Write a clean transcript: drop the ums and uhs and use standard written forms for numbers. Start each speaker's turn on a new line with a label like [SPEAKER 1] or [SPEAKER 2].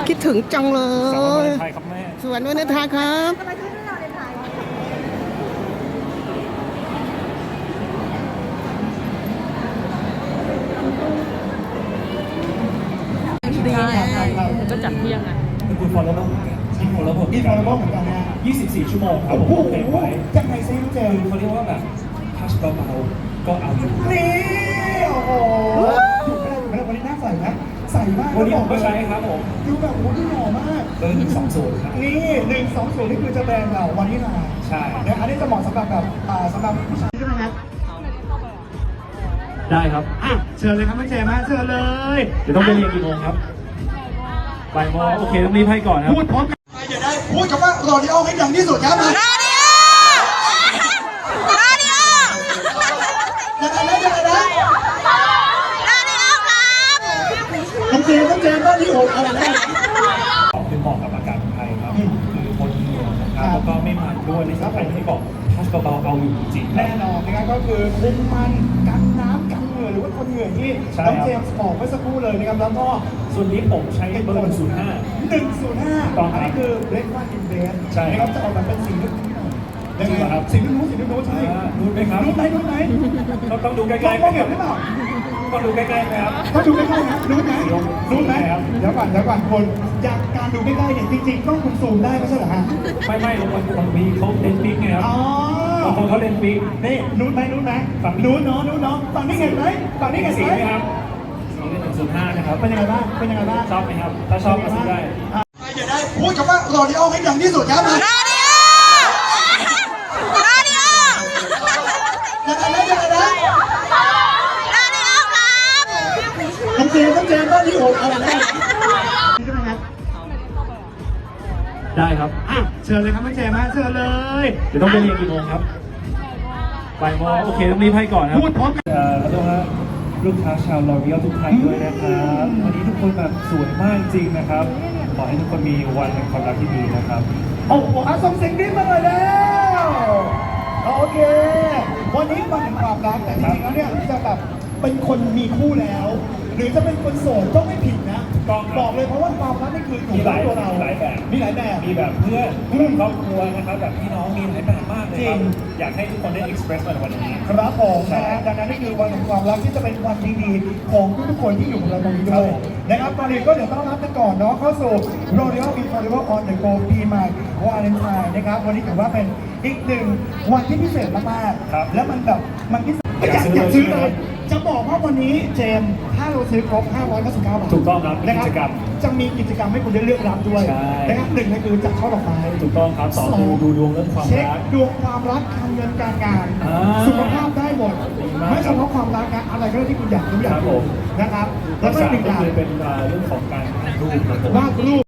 [SPEAKER 1] คิดถึงจังเล
[SPEAKER 2] สวัส
[SPEAKER 1] ย
[SPEAKER 2] ดีไทยครับแม่
[SPEAKER 1] สวัสดีนะทาครับ
[SPEAKER 3] ทำไมที่ไม่เราในไทย
[SPEAKER 1] ดีนะ
[SPEAKER 4] ก็จัดเที่ยงอ่ะ
[SPEAKER 2] คุณฟอลโล่เหมือนกันมีฟอลโล่เหมือน
[SPEAKER 5] มี
[SPEAKER 2] กัน
[SPEAKER 5] ฟอลโล่เหมือนกันนะ
[SPEAKER 2] 24 ชั่วโมงครับผ
[SPEAKER 5] โอ้
[SPEAKER 2] ม
[SPEAKER 5] โห
[SPEAKER 2] เต็มไว้
[SPEAKER 5] ยังไงซิน้องเจมส์
[SPEAKER 2] เขาเรียกว่าแบบทัชเบาๆก็เอาอยู่
[SPEAKER 5] นี่โอ้โหถูกไหมวันนี้หน้าใสไหมใสมาก
[SPEAKER 2] วันนี้ผมก็ใช้ครับผม
[SPEAKER 5] ดูแบบโอ้โหดูหล่อมาก
[SPEAKER 2] เบอร์120ครับ
[SPEAKER 5] นี่120นี่คือจะแบรนด์เราวันนี้นะ
[SPEAKER 2] ใช่
[SPEAKER 5] นะอันนี้จะเหมาะสำหรับแบบสำหรับผู้ชายใช่ไหมครับ
[SPEAKER 2] ได้ครับ
[SPEAKER 5] อ่ะเชิญเลยครับน้องเจมส์เชิญเลย
[SPEAKER 2] เดี๋ยวต้องไปเรียนกี่โมงครับบ่ายโมงโอเคต้องรีบให้ก่อนครับ
[SPEAKER 5] พูดพร้อมกันใครจะได้พูดคำว่าโรดิโอให้ดังที่สุดครับมายังไงนะน้องเจมส์บ้านที่โอ๊ตเอาอะไรนะ
[SPEAKER 2] คือเหมาะกับอากาศไทยครับคือคนเมืองนะครับแล้วก็ไม่มันด้วยในสำคัญที่บอกทัชเบาๆเอาอยู่จริงๆ
[SPEAKER 5] แน่นอนนะครับก็คือคุมมันกันน้ำกันเหงื่อหรือว่าคนเหงื่อที่น้องเจมส์บอกเมื่อสักครู่เลยนะครับแล้วก็
[SPEAKER 2] ส่วนนี้ผมใช้เบอร์105
[SPEAKER 5] 105
[SPEAKER 2] ต่อ
[SPEAKER 5] อันนี้คือเบรกฟาสต์อินเบส
[SPEAKER 2] ใช่
[SPEAKER 5] นะครับจะออกมาเป็นสีนุ่มๆยังไงครับสีนุ่มๆใช่
[SPEAKER 2] รู้ไหมครับ
[SPEAKER 5] รู้ไหม
[SPEAKER 2] ต้องดูใก
[SPEAKER 5] ม
[SPEAKER 2] ล้
[SPEAKER 5] อง
[SPEAKER 2] ๆ
[SPEAKER 5] มองเห็นหรือเปล่า
[SPEAKER 2] ต้องดูใกล้ๆนะครับ
[SPEAKER 5] ต้องดูใกล้ๆนะรู้ไหมรู้ไหม
[SPEAKER 2] ครับ
[SPEAKER 5] เดี๋ยวก่อนคนจากการดูใกล้ๆเนี่ยจริงๆต้องซูมได้ไม่ใช่เหรอฮะ
[SPEAKER 2] ไม่บางทีเขาเล่นปิ๊กไงครับ
[SPEAKER 5] อ๋อบ
[SPEAKER 2] างคนเขาเล่นปิ๊ก
[SPEAKER 5] นี่รู้ไหมฝั่งนู้นเนาะฝั่งนี้เห็นไหมฝั่งนี้เห็น
[SPEAKER 2] สี
[SPEAKER 5] ไหม
[SPEAKER 2] ไหมครับสีเป็น105นะครับ
[SPEAKER 5] เป็นยังไงบ้าง
[SPEAKER 2] ชอบไหมครับถ้าชอบก็ซื้อได้
[SPEAKER 5] ใครจะได้พูดคำว่าโรดิโอให้ดังที่สุดครับมายังไงนะน้องเจมส์บ้านที่โอ๊ตเอาอะไรนะใช่ไหมครับ
[SPEAKER 2] ได้ครับ
[SPEAKER 5] อ่ะเชิญเลยครับน้องเจมส์เชิญเลย
[SPEAKER 2] เดี๋ยวต้องไปเรียนกี่โมงครับบ่ายโมงโอเคต้องรีบให้ก่อนครับ
[SPEAKER 5] พูดพร้อมกัน
[SPEAKER 2] แล้วก็ลูกค้าชาวลอรียลทุกท่านด้วยนะครับวันนี้ทุกคนแบบสวยมากจริงนะครับขอให้ทุกคนมีวันแห่งความรักที่ดีนะครับ
[SPEAKER 5] โอ้โหส่งเสียงดีมาเลยแล้วโอเควันนี้วันแห่งความรักแต่จริงๆแล้วเนี่ยจะแบบเป็นคนมีคู่แล้ว หรือจะเป็นคนโสดก็ไม่ผิดนะบอกเลยเพราะว่าความรักนี่คือของตัวเรามีหลายแบบ
[SPEAKER 2] มีแบบเพื่อนครอบครัวนะครับแบบพี่น้องมีหลายแบบมากเลยครับอยากให้ทุกคนได้ express มันวันนี้
[SPEAKER 5] ครับผมนะฮะดังนั้นนี่คือวันแห่งความรักที่จะเป็นวันดีๆของทุกๆคนที่อยู่กับเราตรงนี้ด้วยนะครับตอนนี้ก็เดี๋ยวต้อนรับกันก่อนเนาะเข้าสู่ Royal Infallible on the Go ปีใหม่วาเลนไทน์นะครับวันนี้ถือว่าเป็นอีกหนึ่งวันที่พิเศษมากๆและมันแบบมันพิเศษอยากซื้อเลยจะบอกว่าวันนี้เจมส์ถ้าเราซื้อครบ599 บาท
[SPEAKER 2] ถูกต้องครับมีกิจกรรม
[SPEAKER 5] จะมีกิจกรรมให้คุณได้เลือกรับด้วย
[SPEAKER 2] ใช่
[SPEAKER 5] นะครับหนึ่งก็คือจัดช่อดอกไม้
[SPEAKER 2] ถูกต้องครับสองดูดวงเรื่องความ
[SPEAKER 5] เช็ค
[SPEAKER 2] รัก
[SPEAKER 5] ดวงความรักการเงินการงาน
[SPEAKER 2] อ่า
[SPEAKER 5] สุขภาพได้หมด
[SPEAKER 2] ดีมาก
[SPEAKER 5] ไม่เฉพาะความรักนะอะไรก็ได้ที่คุณอยากรู้อยาก
[SPEAKER 2] ครับผ
[SPEAKER 5] รู้
[SPEAKER 2] ม
[SPEAKER 5] นะครับ
[SPEAKER 2] แล้
[SPEAKER 5] แล้ว วก็
[SPEAKER 2] สาม
[SPEAKER 5] หนึ่งอ
[SPEAKER 2] ก็
[SPEAKER 5] ย่าง
[SPEAKER 2] คือเป็นเรื่องของการรูปครับผม
[SPEAKER 5] วาดรูป